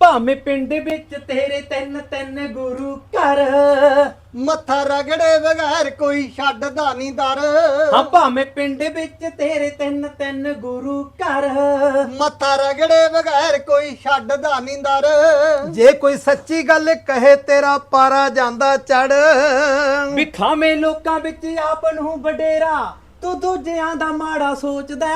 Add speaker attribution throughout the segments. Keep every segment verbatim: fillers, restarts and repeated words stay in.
Speaker 1: ਭਾਵੇਂ ਪਿੰਡ ਵਿੱਚ ਤੇਰੇ ਤਿੰਨ ਤਿੰਨ ਗੁਰੂ ਘਰ,
Speaker 2: ਮੱਥਾ ਰਗੜੇ ਬਗੈਰ ਕੋਈ ਛੱਡਦਾ ਨਹੀਂ ਦਰ।
Speaker 1: ਹਾਂ ਭਾਵੇਂ ਪਿੰਡ ਵਿੱਚ ਤੇਰੇ ਤਿੰਨ ਤਿੰਨ ਗੁਰੂ ਘਰ,
Speaker 2: ਮੱਥਾ ਰਗੜੇ ਬਗੈਰ ਕੋਈ ਛੱਡਦਾ ਨਹੀਂ ਦਰ।
Speaker 3: ਜੇ ਕੋਈ ਸੱਚੀ ਗੱਲ ਕਹੇ ਤੇਰਾ ਪਾਰਾ ਜਾਂਦਾ ਚੜ।
Speaker 1: ਵਿਖਾਵੇਂ ਲੋਕਾਂ ਵਿੱਚ ਆਪ ਨੂੰ ਵਡੇਰਾ, ਤੂੰ ਦੂਜਿਆਂ ਦਾ ਮਾੜਾ ਸੋਚਦਾ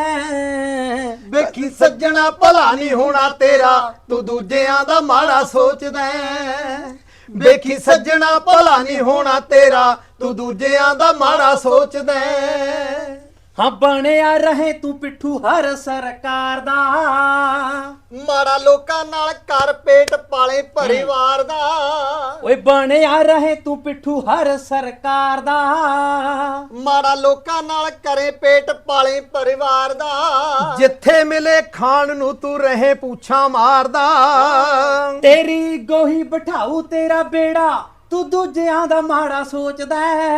Speaker 1: ਹੈ।
Speaker 3: ਵੇਖੀ ਸੱਜਣਾ ਭਲਾ ਨਹੀਂ ਹੋਣਾ ਤੇਰਾ, ਤੂੰ ਦੂਜਿਆਂ ਦਾ ਮਾੜਾ ਸੋਚਦਾ ਹੈ। ਵੇਖੀ ਸੱਜਣਾ ਭਲਾ ਨਹੀਂ ਹੋਣਾ ਤੇਰਾ, ਤੂੰ ਦੂਜਿਆਂ ਦਾ ਮਾੜਾ ਸੋਚਦਾ ਹੈ।
Speaker 1: ਹਾਂ ਬਣਿਆ ਰਹੇ ਤੂੰ ਪਿੱਠੂ ਹਰ ਸਰਕਾਰ ਦਾ,
Speaker 2: ਮਾੜਾ ਲੋਕਾਂ ਨਾਲ ਕਰ ਪੇਟ ਪਾਲੇ ਪਰਿਵਾਰ ਦਾ।
Speaker 1: ਓਏ ਬਣਿਆ ਰਹੇ ਤੂੰ ਪਿੱਠੂ ਹਰ ਸਰਕਾਰ ਦਾ,
Speaker 2: ਮਾੜਾ ਲੋਕਾਂ ਨਾਲ ਕਰੇ ਪੇਟ ਪਾਲੇ ਪਰਿਵਾਰ ਦਾ।
Speaker 3: ਜਿੱਥੇ ਮਿਲੇ ਖਾਣ ਨੂੰ ਤੂੰ ਰਹੇ ਪੁੱਛਾਂ ਮਾਰਦਾ।
Speaker 1: ਤੇਰੀ ਗੋਹੀ ਬਿਠਾਊ ਤੇਰਾ ਬੇੜਾ, ਤੂੰ ਦੂਜਿਆਂ ਦਾ ਮਾੜਾ ਸੋਚਦਾ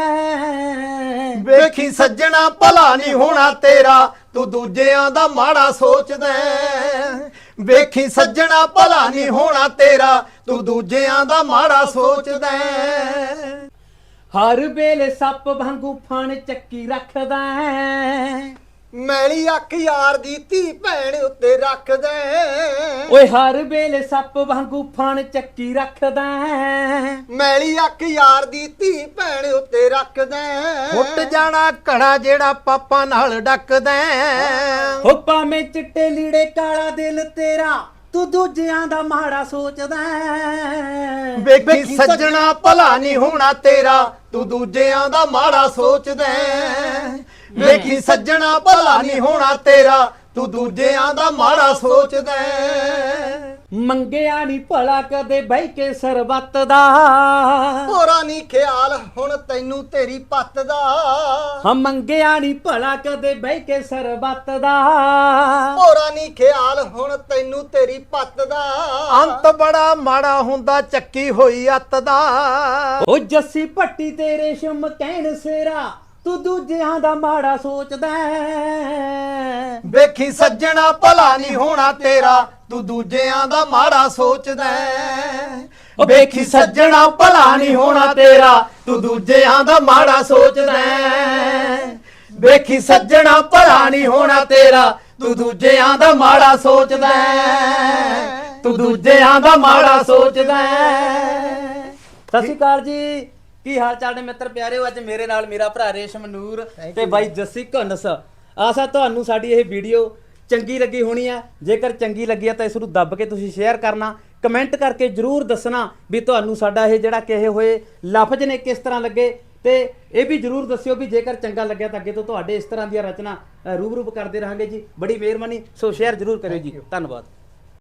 Speaker 1: ਹੈ।
Speaker 3: ਵੇਖੀ ਸੱਜਣਾ ਭਲਾ ਨਹੀਂ ਹੋਣਾ ਤੇਰਾ, ਤੂੰ ਦੂਜਿਆਂ ਦਾ ਮਾੜਾ ਸੋਚਦਾ ਹੈ। ਵੇਖੀ ਸੱਜਣਾ ਭਲਾ ਨਹੀਂ ਹੋਣਾ ਤੇਰਾ, ਤੂੰ ਦੂਜਿਆਂ ਦਾ ਮਾੜਾ ਸੋਚਦਾ ਹੈ।
Speaker 1: ਹਰ ਵੇਲੇ ਸੱਪ ਵਾਂਗੂ ਫਣ ਚੱਕੀ ਰੱਖਦਾ ਹੈ।
Speaker 2: ਮੈਲੀ ਅੱਖ ਯਾਰ ਦੀ ਧੀ ਭੈਣ ਉੱਤੇ ਰੱਖਦਾ।
Speaker 1: ਓਏ ਹਰ ਵੇਲੇ ਸੱਪ ਵਾਂਗੂ ਫਣ ਚੱਕੀ ਰੱਖਦਾ ਹੈ।
Speaker 2: ਮੈਲੀ ਅੱਖ ਯਾਰ ਦੀ ਧੀ ਭੈਣ ਉੱਤੇ ਰੱਖਦਾ।
Speaker 3: ਫੁੱਟ ਜਾਣਾ ਘੜਾ ਜਿਹੜਾ ਪਾਪਾਂ ਨਾਲ ਡੱਕਦਾ।
Speaker 1: ਹੋ ਭਾਵੇਂ ਚਿੱਟੇ ਲੀੜੇ ਕਾਲਾ ਦਿਲ ਤੇਰਾ, ਤੂੰ ਦੂਜਿਆਂ ਦਾ ਮਾੜਾ ਸੋਚਦਾ ਹੈ।
Speaker 3: ਵੇਖੀ ਸੱਜਣਾ ਭਲਾ ਨਹੀਂ ਹੋਣਾ ਤੇਰਾ, ਤੂੰ ਦੂਜਿਆਂ ਦਾ ਮਾੜਾ ਸੋਚਦਾ ਹੈ। ਵੇਖੀ ਸੱਜਣਾ ਭਲਾ ਨਹੀਂ ਹੋਣਾ ਤੇਰਾ, ਤੂੰ ਦੂਜਿਆਂ ਦਾ ਮਾੜਾ ਸੋਚਦਾ ਹੈ।
Speaker 1: ਮੰਗਿਆ ਨਹੀਂ ਭਲਾ ਕਦੇ ਬਹਿ ਕੇ ਸਰਬੱਤ ਦਾ,
Speaker 2: ਹੋਰਾ ਨਹੀਂ ਖਿਆਲ ਹੁਣ ਤੈਨੂੰ ਤੇਰੀ ਪੱਤ ਦਾ।
Speaker 1: ਹਾਂ ਮੰਗਿਆ ਨਹੀਂ ਭਲਾ ਕਦੇ ਬਹਿ ਕੇ ਸਰਬੱਤ ਦਾ,
Speaker 2: ਹੋਰਾ ਨਹੀਂ ਖਿਆਲ ਹੁਣ ਤੈਨੂੰ ਤੇਰੀ ਪੱਤ ਦਾ।
Speaker 3: ਅੰਤ ਬੜਾ ਮਾੜਾ ਹੁੰਦਾ ਚੱਕੀ ਹੋਈ ਅੱਤ ਦਾ।
Speaker 1: ਉਹ ਜੱਸੀ ਭੱਟੀ ਤੇਰੇ ਸ਼ਮ ਕਹਿਣ ਸੇਰਾ, ਤੂੰ ਦੂਜਿਆਂ ਦਾ ਮਾੜਾ ਸੋਚਦਾ ਹੈ।
Speaker 3: ਵੇਖੀ ਸੱਜਣਾ ਭਲਾ ਨਹੀਂ ਹੋਣਾ ਤੇਰਾ, ਤੂੰ ਦੂਜਿਆਂ ਦਾ ਮਾੜਾ ਸੋਚਦਾ ਹੈ। ਵੇਖੀ ਸੱਜਣਾ ਭਲਾ ਨਹੀਂ ਹੋਣਾ ਤੇਰਾ, ਤੂੰ ਦੂਜਿਆਂ ਦਾ ਮਾੜਾ ਸੋਚਦਾ ਹੈ। ਵੇਖੀ ਸੱਜਣਾ ਭਲਾ ਨਹੀਂ ਹੋਣਾ ਤੇਰਾ, ਤੂੰ ਦੂਜਿਆਂ ਦਾ ਮਾੜਾ ਸੋਚਦਾ ਹੈ। ਤੂੰ ਦੂਜਿਆਂ ਦਾ ਮਾੜਾ ਸੋਚਦਾ ਹੈ।
Speaker 1: ਸਤਿ ਸ਼੍ਰੀ ਅਕਾਲ ਜੀ, ਕੀ ਹਾਲ ਚਾਲ ਨੇ ਮਿੱਤਰ ਪਿਆਰਿਓ। ਅੱਜ ਮੇਰੇ ਨਾਲ ਮੇਰਾ ਭਰਾ ਰੇਸ਼ਮ ਨੂਰ ਤੇ ਬਾਈ ਜੱਸੀ ਘਨਸ। ਆਸਾ ਤੁਹਾਨੂੰ ਸਾਡੀ ਇਹ ਵੀਡੀਓ ਚੰਗੀ ਲੱਗੀ ਹੋਣੀ ਆ। ਜੇਕਰ ਚੰਗੀ ਲੱਗੀ ਆ ਤਾਂ ਇਸ ਨੂੰ ਦੱਬ ਕੇ ਤੁਸੀਂ ਸ਼ੇਅਰ ਕਰਨਾ, ਕਮੈਂਟ ਕਰਕੇ ਜਰੂਰ ਦੱਸਣਾ ਵੀ ਤੁਹਾਨੂੰ ਸਾਡਾ ਇਹ ਜਿਹੜਾ ਕਹੇ ਹੋਏ ਲਫ਼ਜ਼ ਨੇ ਕਿਸ ਤਰ੍ਹਾਂ ਲੱਗੇ। ਤੇ ਇਹ ਵੀ ਜਰੂਰ ਦੱਸਿਓ ਵੀ ਜੇਕਰ ਚੰਗਾ ਲੱਗਿਆ ਤਾਂ ਅੱਗੇ ਤੋਂ ਤੁਹਾਡੇ ਇਸ ਤਰ੍ਹਾਂ ਦੀਆਂ ਰਚਨਾ ਰੂਬਰੂ ਕਰਦੇ ਰਹਾਂਗੇ ਜੀ। ਬੜੀ ਮਿਹਰਬਾਨੀ। ਸੋ ਸ਼ੇਅਰ ਜਰੂਰ ਕਰਿਓ ਜੀ। ਧੰਨਵਾਦ।